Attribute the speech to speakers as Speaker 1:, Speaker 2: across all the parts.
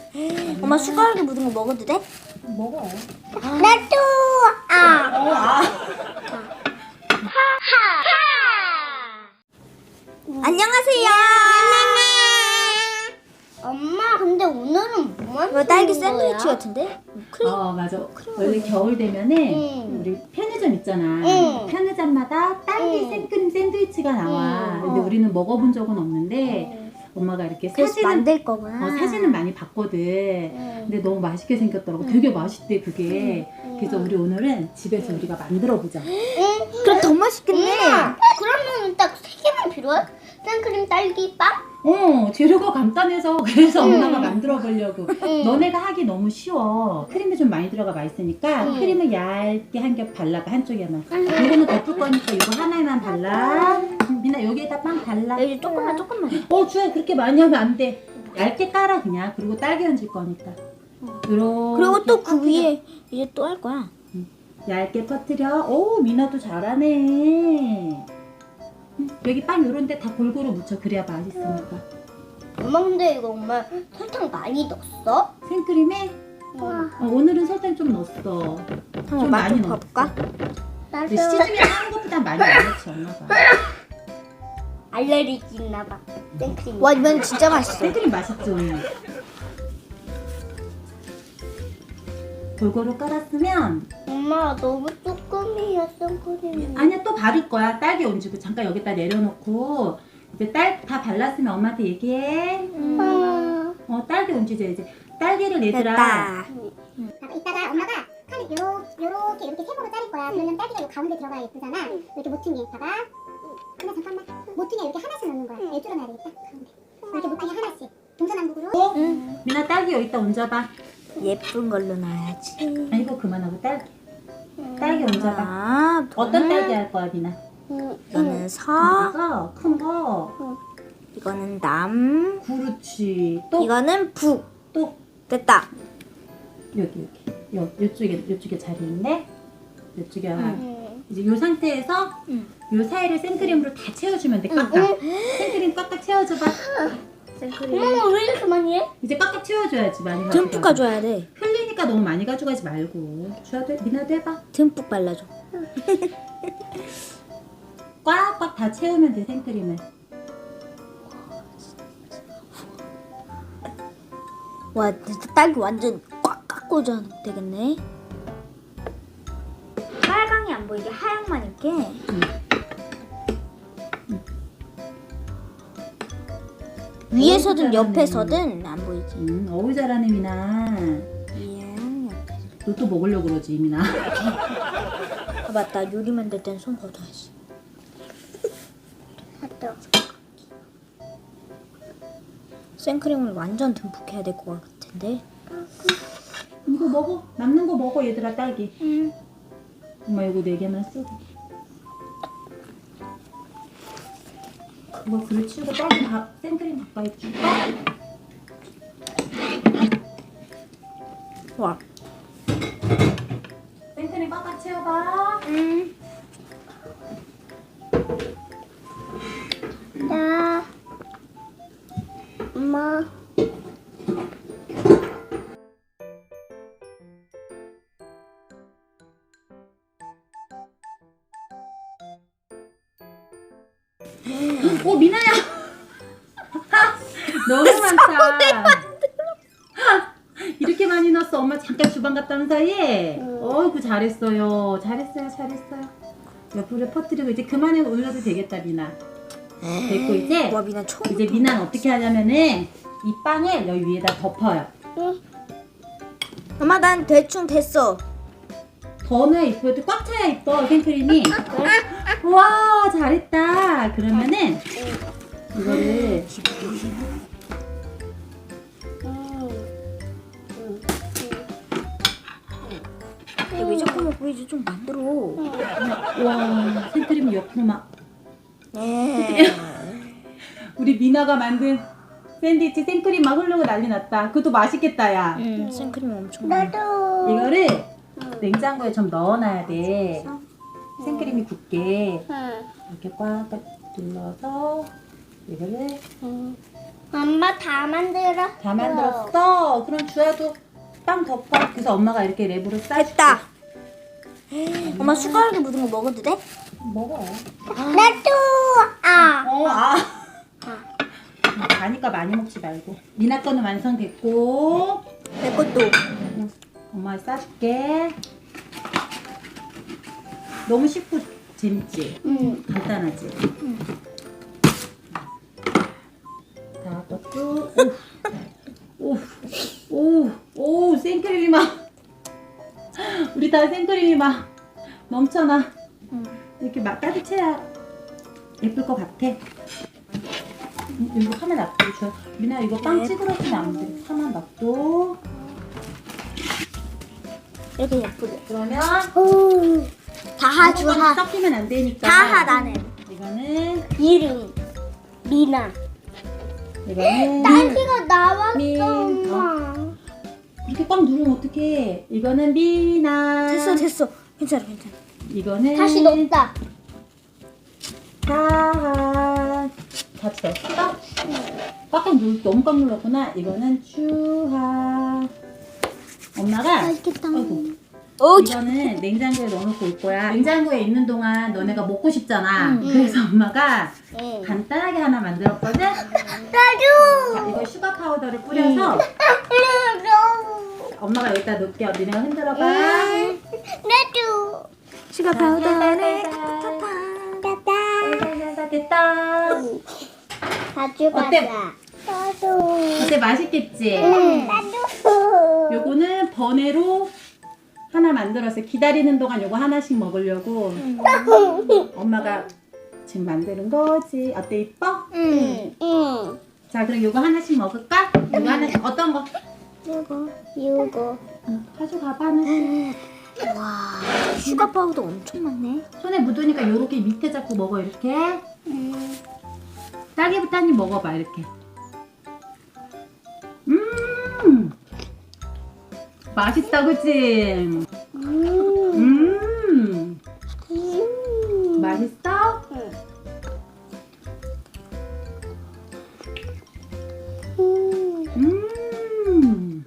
Speaker 1: 엄마 숟가락에 묻은 거 먹어도 돼?
Speaker 2: 먹어.
Speaker 3: 나도.
Speaker 1: 안녕하세요.
Speaker 3: 엄마, 근데 오늘은 뭐만
Speaker 1: 이거 딸기
Speaker 3: 먹는 거야?
Speaker 1: 샌드위치 같은데? 크림.
Speaker 2: 맞아. 원래 겨울 되면은 우리 편의점 있잖아. 편의점마다 딸기 생크림 샌드위치가 나와. 근데 우리는 먹어본 적은 없는데 엄마가 이렇게
Speaker 1: 그래서
Speaker 2: 사진은
Speaker 1: 만들 거구나.
Speaker 2: 사진은 많이 봤거든. 근데 너무 맛있게 생겼더라고. 되게 맛있대 그게. 그래서 우리 오늘은 집에서 우리가 만들어 보자.
Speaker 1: 그럼 더 맛있겠네.
Speaker 3: 그러면 딱 3개만 필요해? 생크림, 딸기, 빵?
Speaker 2: 재료가 간단해서 그래서 엄마가 만들어 보려고. 너네가 하기 너무 쉬워. 크림이 좀 많이 들어가 맛있으니까 크림을 얇게 한 겹 발라봐. 한쪽에만. 이거는 덮을 거니까 이거 하나에만 발라. 미나 여기에다 빵 발라.
Speaker 1: 여기 조금만.
Speaker 2: 주야 그렇게 많이 하면 안 돼. 얇게 깔아 그냥. 그리고 딸기 얹을 거니까.
Speaker 1: 그리고 또 그 위에 이제 또 할 거야.
Speaker 2: 얇게 퍼뜨려. 오, 미나도 잘하네. 여기 빵 요런 데 다 골고루 묻혀. 그래야 맛있으니까.
Speaker 3: 엄마, 근데 이거 엄마 설탕 많이 넣었어?
Speaker 2: 생크림에 오늘은 설탕 좀 넣었어. 좀 많이 넣었어.
Speaker 1: 봐볼까?
Speaker 2: 근데 시즈닝 하는 것보다 많이 안 넣지 엄마가.
Speaker 3: 알레르기 있나봐. 생크림.
Speaker 1: 와, 이건 진짜 맛있어.
Speaker 2: 생크림 맛있죠? 골고루 깔았으면
Speaker 3: 엄마, 너무 조금이야, 생크림이.
Speaker 2: 아니야 또 바를 거야. 딸기 얹고 잠깐 여기다 내려놓고 이제 다 발랐으면 엄마한테 얘기해. 딸기 얹자 이제. 딸기를 얘들아
Speaker 1: 됐다.
Speaker 4: 이따가 엄마가 칼을 요렇게 이렇게 세모로 자를 거야. 그러면 딸기가 요 가운데 들어가야 예쁘잖아. 이렇게 모퉁이 봐봐. 하나 잠깐만. 모퉁이에 이렇게 하나씩 넣는 거야. 일주로 놔야 되겠다. 가운데. 이렇게 모퉁이 하나씩. 동서남북으로.
Speaker 2: 미나 딸기 여기다 얹어봐.
Speaker 1: 예쁜 걸로 놔야지.
Speaker 2: 이거 그만하고 딸기 얹어봐. 어떤 딸기 할 거야 미나?
Speaker 1: 이거는 서,
Speaker 2: 이거 큰 거.
Speaker 1: 이거는 남,
Speaker 2: 그렇지. 또
Speaker 1: 이거는 북.
Speaker 2: 또
Speaker 1: 됐다.
Speaker 2: 요쪽에 자리 있네. 요쪽에 하나. 이제 요 상태에서 요 사이를 생크림으로 다 채워주면 돼. 꽉꽉. 생크림 꽉꽉 채워줘봐.
Speaker 1: 생크림.
Speaker 3: 엄마, 왜 이렇게 많이 해?
Speaker 2: 이제 꽉꽉 채워줘야지. 많이
Speaker 1: 듬뿍
Speaker 2: 가져가서.
Speaker 1: 가져야 돼.
Speaker 2: 흘리니까 너무 많이 가져가지 말고. 주아도 미나도 해봐.
Speaker 1: 듬뿍 발라줘.
Speaker 2: 꽉꽉 다 채우면 돼 생크림을.
Speaker 1: 와, 진짜 딸기 완전 꽉꽉 꽂아 되겠네. 빨강이 안 보이게 하얀만 있게. 위에서든
Speaker 2: 잘하네.
Speaker 1: 옆에서든 안 보이지.
Speaker 2: 어우 잘하네 미나.
Speaker 1: 위에랑 옆에.
Speaker 2: 너 또 먹으려고 그러지 미나.
Speaker 1: 아, 맞다. 요리 만들 땐 손 걷어야지.
Speaker 3: 맞다.
Speaker 1: 생크림을 완전 듬뿍 해야 될 것 같은데.
Speaker 2: 이거 먹어. 남는 거 먹어 얘들아 딸기. 엄마 이거 4개만 쓰고. 그거 그릇 치우고 딸기 생크림 가까이 줄까?
Speaker 1: 와.
Speaker 2: 생크림 꽉꽉 채워봐.
Speaker 3: 나, 엄마.
Speaker 2: 미나야. 너무 많다. 이렇게 많이 넣었어. 엄마 잠깐 주방 갔다 온 사이에. 어이구 잘했어요. 잘했어요. 옆으로 퍼뜨리고 이제 그만해 올려도 되겠다 미나. 됐고 이제
Speaker 1: 와, 미나 처음.
Speaker 2: 이제 미나는 어떻게 하냐면은 이 빵을 여기 위에다 덮어요.
Speaker 1: 엄마, 난 대충 됐어.
Speaker 2: 더 넣어야 이쁘고 꽉 차야 이뻐 생크림이. 와 잘했다. 그러면은 이거를
Speaker 1: 왜 자꾸 먹고 이제 좀 만들어.
Speaker 2: 와 생크림이 옆으로 막
Speaker 1: 네.
Speaker 2: 우리 미나가 만든 샌드위치 생크림 막 흐르고 난리 났다. 그것도 맛있겠다 야.
Speaker 1: 생크림 엄청 많아.
Speaker 3: 나도.
Speaker 2: 이거를 냉장고에 좀 넣어놔야 돼. 생크림이 굳게 이렇게 꽉 눌러서 이거를
Speaker 3: 엄마 다 만들었어.
Speaker 2: 다 만들었어. 그럼 주아도 빵 덮어. 그래서 엄마가 이렇게 랩으로 싸줄게.
Speaker 1: 됐다. 엄마 숟가락에 묻은 거 먹어도 돼?
Speaker 2: 먹어.
Speaker 3: 나도.
Speaker 2: 아. 가니까 많이 먹지 말고. 미나 거는 완성됐고.
Speaker 1: 내 것도.
Speaker 2: 엄마 싸줄게. 너무 쉽고 재밌지? 간단하지? 다 것도. 오, 생크림이 막. 우리 다 생크림이 막 넘쳐나. 이렇게 막 따뜻해야 예쁠 것 같아. 이거 하나 놔둬. 미나 이거 빵 찌그러지면 안 돼. 하나 놔둬.
Speaker 1: 이렇게 예쁘게.
Speaker 2: 그러면
Speaker 1: 다하 주하.
Speaker 2: 섞이면 안 되니까.
Speaker 1: 다하 나는.
Speaker 2: 이거는
Speaker 3: 이름 미나.
Speaker 2: 이거는
Speaker 3: 딸기가 나왔어
Speaker 2: 미-
Speaker 3: 엄마.
Speaker 2: 이렇게 꽉 누르면 어떡해. 이거는 미나.
Speaker 1: 됐어. 괜찮아.
Speaker 2: 이거는
Speaker 3: 다시 넣었다.
Speaker 2: 다하. 같이 넣었어? 너무 꽉 눌렀구나. 이거는 주하. 엄마가
Speaker 1: 맛있겠다.
Speaker 2: 아이고.
Speaker 1: 오,
Speaker 2: 이거는 냉장고에 넣어놓고 올 거야. 냉장고에 있는 동안 너네가 먹고 싶잖아. 그래서 엄마가
Speaker 3: 응.
Speaker 2: 간단하게 하나 만들었거든.
Speaker 3: 나도.
Speaker 2: 자, 이거 슈가 파우더를 뿌려서 엄마가 여기다 넣을게. 니네가 흔들어봐.
Speaker 3: 나도.
Speaker 1: 슈가 파우더를
Speaker 2: 됐다.
Speaker 3: 가져가자.
Speaker 2: 어때?
Speaker 3: 나도.
Speaker 2: 어때? 맛있겠지?
Speaker 3: 나도.
Speaker 2: 요거는 번외로 하나 만들었어요. 기다리는 동안 요거 하나씩 먹으려고 엄마가 지금 만드는 거지. 어때? 이뻐?
Speaker 3: 응.
Speaker 2: 자, 그럼 요거 하나씩 먹을까? 요거 하나씩 어떤 거?
Speaker 3: 이거.
Speaker 2: 가져가봐 하나씩.
Speaker 1: 와, 슈가 파우더 엄청 많네.
Speaker 2: 손에 묻으니까 요렇게 밑에 잡고 먹어. 이렇게 딸기부터 한 입 먹어봐. 이렇게. 맛있다, 그치? 맛있어? 음.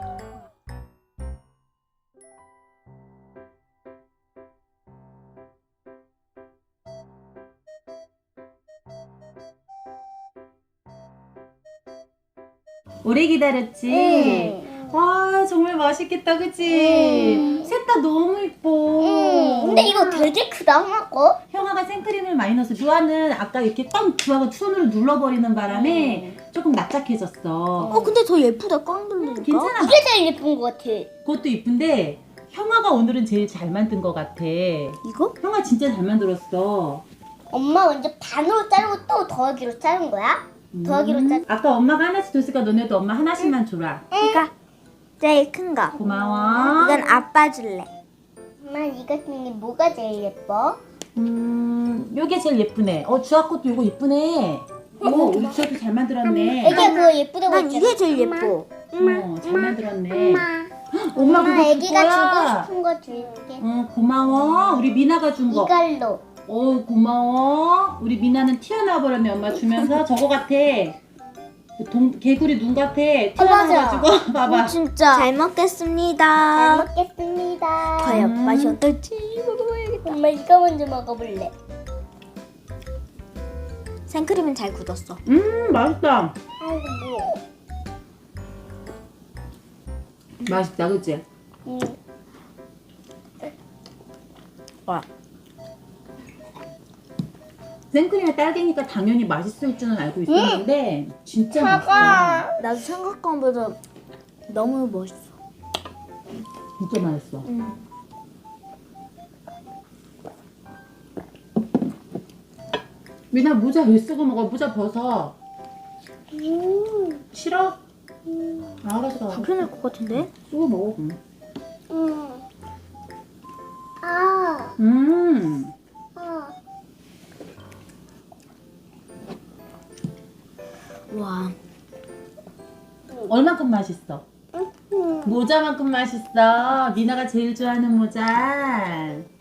Speaker 2: 오래 기다렸지? 와, 정말 맛있겠다, 그치? 셋 다 너무 이뻐.
Speaker 3: 근데 이거 되게 크다 엄마 거.
Speaker 2: 형아가 생크림을 많이 넣어서 주아는 아까 이렇게 빵 주아가 손으로 눌러버리는 바람에 조금 납작해졌어.
Speaker 1: 근데 더 예쁘다. 꽝 돌리니까.
Speaker 2: 괜찮아.
Speaker 3: 이게 제일 예쁜 것 같아.
Speaker 2: 그것도 이쁜데 형아가 오늘은 제일 잘 만든 것 같아.
Speaker 1: 이거?
Speaker 2: 형아 진짜 잘 만들었어.
Speaker 3: 엄마 먼저 반으로 자르고 또 더하기로 자른 거야? 더하기로 자.
Speaker 2: 아까 엄마가 하나씩 줬으니까 너네도 엄마 하나씩만 줘라.
Speaker 1: 이거 제일 큰 거.
Speaker 2: 고마워.
Speaker 1: 이건 아빠 줄래.
Speaker 3: 엄마 이거 중에 뭐가 제일 예뻐?
Speaker 2: 요게 제일 예쁘네. 주아 것도 이거 예쁘네. 우리 주아도 잘 만들었네.
Speaker 3: 애기가 그거 예쁘다고
Speaker 1: 난
Speaker 3: 했잖아.
Speaker 1: 이게 제일 예뻐.
Speaker 2: 잘 만들었네. 엄마
Speaker 3: 엄마
Speaker 2: 그거
Speaker 3: 애기가
Speaker 2: 그거야.
Speaker 3: 주고 싶은 거 줄게.
Speaker 2: 고마워. 우리 미나가 준 거.
Speaker 3: 이걸로.
Speaker 2: 고마워. 우리 미나는 튀어나와 버렸네. 엄마 주면서 저거 같아. 개구리 눈 같아. 튀어나와가지고 봐봐.
Speaker 1: 진짜. 잘 먹겠습니다.
Speaker 3: 잘 먹겠습니다.
Speaker 1: 과연 맛이 어떨지 먹어봐야겠다.
Speaker 3: 엄마 이거 먼저 먹어볼래.
Speaker 1: 생크림은 잘 굳었어.
Speaker 2: 맛있다.
Speaker 3: 아이고.
Speaker 2: 맛있다, 그치?
Speaker 1: 와.
Speaker 2: 생크림에 딸기니까 당연히 맛있을 줄은 알고 있었는데 진짜 맛있어.
Speaker 1: 나도 생각한 것보다 너무 멋있어.
Speaker 2: 진짜 맛있어. 미나 모자 왜 쓰고 먹어? 모자 벗어. 싫어? 알았어.
Speaker 1: 불편할 것 같은데?
Speaker 2: 쓰고 먹어.
Speaker 3: 아.
Speaker 1: 와.
Speaker 2: 얼만큼 맛있어? 모자만큼 맛있어. 미나가 제일 좋아하는 모자.